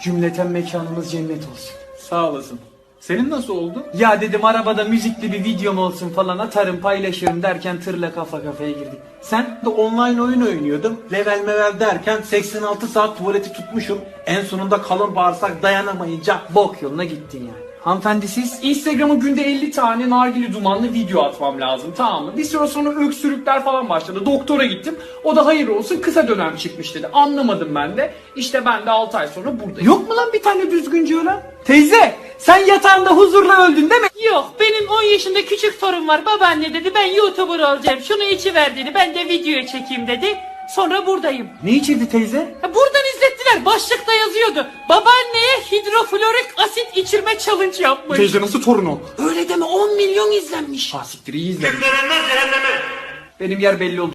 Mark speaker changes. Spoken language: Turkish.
Speaker 1: Cümleten mekanımız cennet olsun.
Speaker 2: Sağ olasın. Senin nasıl oldu?
Speaker 1: Ya dedim arabada müzikli bir videom olsun falan, atarım paylaşırım derken tırla kafa kafaya girdik. Sen?
Speaker 3: De online oyun oynuyordum. Level mevel derken 86 saat tuvaleti tutmuşum. En sonunda kalın bağırsak dayanamayınca
Speaker 1: Bok yoluna gittin yani. Hanımefendi siz?
Speaker 2: Instagram'a günde 50 tane nargile dumanlı video atmam lazım, tamam mı? Bir süre sonra öksürükler falan başladı. Doktora gittim. O da hayır olsun kısa dönem çıkmış dedi. Anlamadım ben de. İşte ben de 6 ay sonra buradayım.
Speaker 1: Yok mu lan bir tane düzgünce ölen? Teyze sen yatağında huzurla öldün değil mi?
Speaker 4: Yok, benim 10 yaşında küçük torun var. Babaanne dedi ben YouTuber olacağım. Şunu içiver dedi. Ben de video çekeyim dedi. Sonra buradayım.
Speaker 1: Ne içirdi teyze?
Speaker 4: Buradan izlettiler. Başlıkta yazıyordu. Babaanneye hidroflorik asit içirme challenge yapmış.
Speaker 2: Teyze nasıl torun o?
Speaker 4: Öyle deme, 10 milyon izlenmiş.
Speaker 2: Ha siktir, iyi izledim.
Speaker 1: Benim yer belli oldu.